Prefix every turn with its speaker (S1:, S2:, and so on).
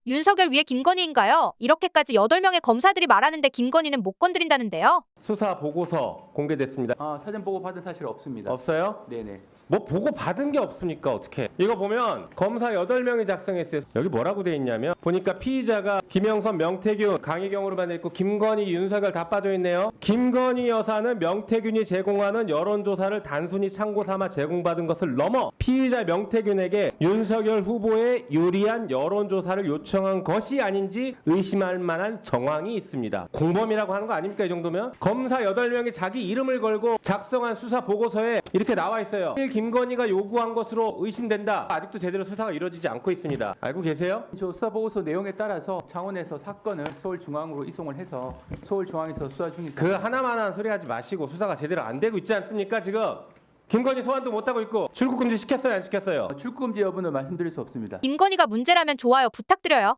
S1: 윤석열 위에 김건희인가요? 이렇게까지 8명의 검사들이 말하는데 김건희는 못 건드린다는데요.
S2: 수사 보고서 공개됐습니다.
S3: 사전 보고 받은 사실 없습니다.
S2: 없어요?
S3: 네네.
S2: 뭐 보고 받은 게 없으니까 어떻게? 이거 보면 검사 8명이 작성했어요. 여기 뭐라고 돼 있냐면 보니까 피의자가 김영선, 명태균, 강희경으로만 돼 있고 김건희, 윤석열 다 빠져 있네요. 김건희 여사는 명태균이 제공하는 여론조사를 단순히 참고 삼아 제공받은 것을 넘어 피의자 명태균에게 윤석열 후보에 유리한 여론조사를 요청한 것이 아닌지 의심할 만한 정황이 있습니다. 공범이라고 하는 거 아닙니까? 이 정도면? 검사 8명이 자기 이름을 걸고 작성한 수사 보고서에 이렇게 나와 있어요. 김건희가 요구한 것으로 의심된다. 아직도 제대로 수사가 이루어지지 않고 있습니다. 알고 계세요?
S3: 저 수사 보고서 내용에 따라서 창원에서 사건을 서울중앙으로 이송을 해서 서울중앙에서 수사 중입니다.
S2: 그 하나만한 소리 하지 마시고 수사가 제대로 안 되고 있지 않습니까? 지금 김건희 소환도 못하고 있고 출국 금지 시켰어요, 안 시켰어요?
S3: 출국 금지 여부는 말씀드릴 수 없습니다.
S1: 김건희가 문제라면 좋아요 부탁드려요.